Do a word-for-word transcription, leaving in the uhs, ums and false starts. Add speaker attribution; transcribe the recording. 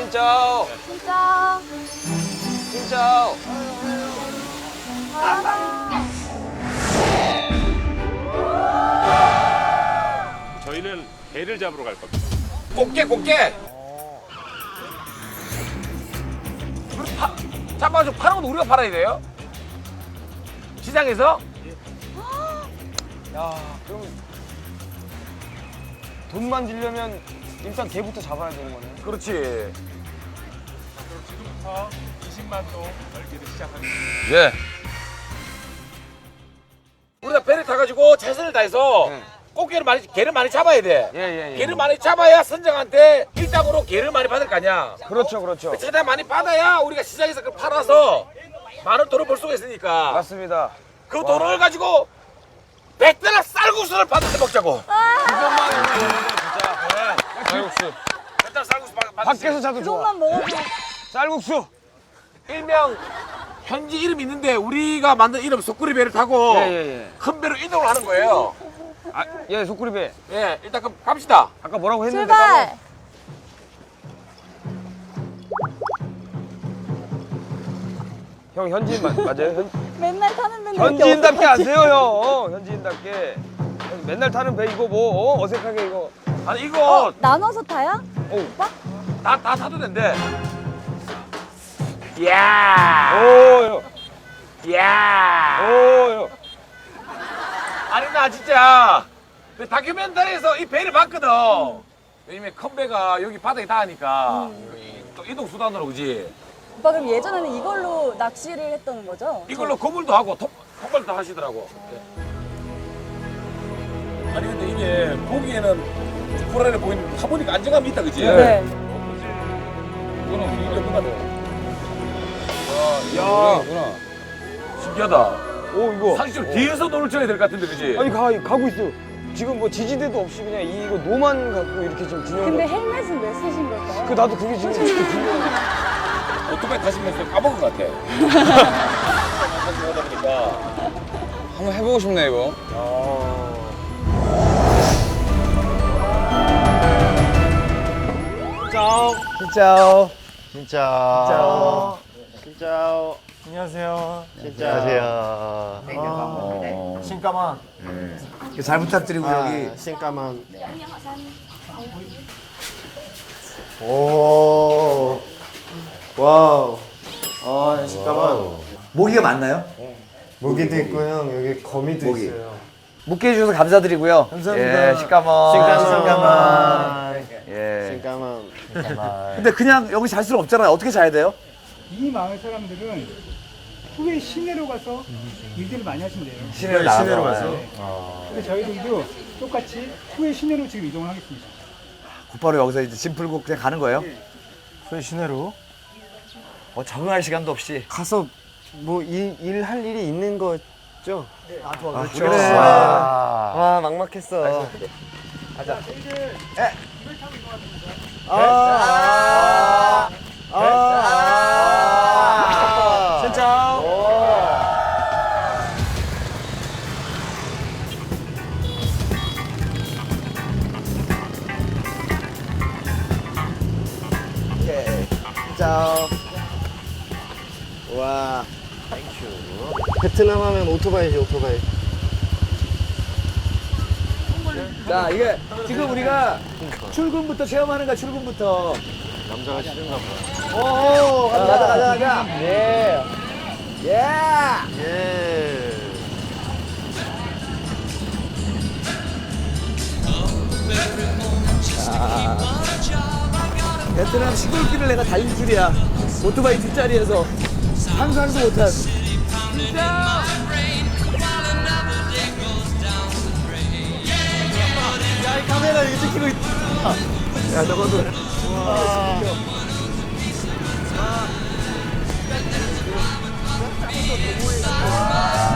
Speaker 1: 진짜.
Speaker 2: 진짜.
Speaker 1: 진짜.
Speaker 3: 저희는 개를 잡으러 갈 겁니다.
Speaker 1: 꽃게 꽃게. 파, 잡아서 파는 것도 우리가 팔아야 돼요? 시장에서?
Speaker 4: 야, 그럼 돈 만들려면 일단 개부터 잡아야 되는 거네.
Speaker 1: 그렇지.
Speaker 3: 그럼 지금부터 이십만 동 열기를 시작합니다.
Speaker 1: 예. 우리가 배를 타가지고 최선을 다해서
Speaker 4: 네.
Speaker 1: 꽃게를 많이, 개를 많이 잡아야 돼.
Speaker 4: 예, 예, 예.
Speaker 1: 개를 많이 잡아야 선장한테 일당으로 개를 많이 받을 거 아니야.
Speaker 4: 그렇죠, 그렇죠.
Speaker 1: 최대한 많이 받아야 우리가 시장에서 그걸 팔아서 많은 돈을 벌 수가 있으니까.
Speaker 4: 맞습니다.
Speaker 1: 그 돈을 가지고 백대나 쌀국수를 받아서 먹자고.
Speaker 4: 그것만 진짜. 쌀국수.
Speaker 1: 백대나 쌀국수 받, 받
Speaker 4: 밖에서 자도 좋아.
Speaker 2: 그것만 먹어도.
Speaker 4: 쌀국수.
Speaker 1: 일명 현지 이름 있는데 우리가 만든 이름 소쿠리 배를 타고
Speaker 4: 예, 예, 예.
Speaker 1: 큰 배로 이동을 하는 거예요.
Speaker 4: 아, 예, 소쿠리배.
Speaker 1: 예, 일단 그럼 갑시다.
Speaker 4: 아까 뭐라고 했는데
Speaker 2: 출발.
Speaker 4: 형 현지인 마, 맞아요? 현,
Speaker 2: 맨날 타는 배는
Speaker 4: 현지인답게 하세요, 형. 어, 현지인답게. 맨날 타는 배 이거 뭐 어, 어색하게 이거.
Speaker 1: 아니 이거
Speaker 2: 어, 나눠서 타야?
Speaker 4: 어.
Speaker 2: 오빠?
Speaker 1: 다, 다 타도 된대. 이야,
Speaker 4: 오, 형.
Speaker 1: 이야.
Speaker 4: 오, 형.
Speaker 1: 아니 나 진짜 그 다큐멘터리에서 이 배를 봤거든. 왜냐면 큰 배가 여기 바닥에 닿으니까 이- 또 이동 수단으로 그지.
Speaker 2: 오빠 그럼 예전에는 이걸로 낚시를 했던 거죠?
Speaker 1: 이걸로 거물도 하고 톱, 톱발도 하시더라고. 아니 근데 이게 보기에는 코랄에 보이는 타보니까 안정감이 있다 그지?
Speaker 2: 네.
Speaker 1: 이거는 우리 연구가 돼.
Speaker 4: 야,
Speaker 1: 야,
Speaker 4: 누나.
Speaker 1: 신기하다.
Speaker 4: 오, 이거.
Speaker 1: 사실 좀 뒤에서 노를 쳐야 될 것 같은데 그지?
Speaker 4: 아니, 가, 가고 있어요. 지금 뭐 지지대도 없이 그냥 이거 노만 갖고 이렇게 지금 균형.
Speaker 2: 근데 헬멧은 왜 쓰신 걸까요?
Speaker 4: 그 나도 그게 지금 궁금해.
Speaker 1: 오토바이 타시면서 까먹은 것 같아. 하다 보니까.
Speaker 4: 한번 해보고 싶네 이거.
Speaker 5: 짜오.
Speaker 6: 진짜요.
Speaker 5: 진짜.
Speaker 6: 진짜요.
Speaker 5: 안녕하세요.
Speaker 6: 진짜. 안녕하세요.
Speaker 5: 신까만.
Speaker 6: 잘 부탁드리고
Speaker 5: 아,
Speaker 6: 여기.
Speaker 5: 신까만. 오. 와우. 아, 신까만.
Speaker 6: 모기가 많나요?
Speaker 5: 모기도 있고 형 여기 거미도
Speaker 6: 모기.
Speaker 5: 있어요.
Speaker 6: 묵게 해주셔서 감사드리고요.
Speaker 5: 감사합니다.
Speaker 6: 예, 식감원.
Speaker 5: 신까만.
Speaker 6: 예.
Speaker 5: 신까만.
Speaker 6: 근데 그냥 여기 잘 수는 없잖아요. 어떻게 자야 돼요?
Speaker 7: 이 마을 사람들은 후에 시내로 가서 일들을 많이 하신대요.
Speaker 6: 시내로 나가서.
Speaker 5: 시내로 가서?
Speaker 7: 네. 그래서 저희들도 똑같이 후에 시내로 지금 이동을 하겠습니다.
Speaker 6: 곧바로 여기서 이제 짐 풀고 그냥 가는 거예요?
Speaker 5: 그 시내로
Speaker 6: 어, 적응할 시간도 없이.
Speaker 5: 가서 뭐 일 할 일이 있는 거죠?
Speaker 6: 아,
Speaker 5: 그렇죠.
Speaker 6: 그래.
Speaker 5: 와, 와 막막했어. 아, 아, 아, 아, 진짜. 진짜. 와. 베트남 하면 오토바이지 오토바이.
Speaker 6: 자, 이게 지금 우리가 출근부터 체험하는 거야, 출근부터.
Speaker 5: 남자가 싫은가 봐.
Speaker 6: 오, 가자, 가자, 가자, 가자. 예. 예.
Speaker 5: 예.
Speaker 6: 베트남 시골길을 내가 달릴 줄이야. 오토바이 뒷자리에서 상상도 못한. 진짜. 야, 이 카메라 이거 찍히고 있다. 야, 너거도. 와.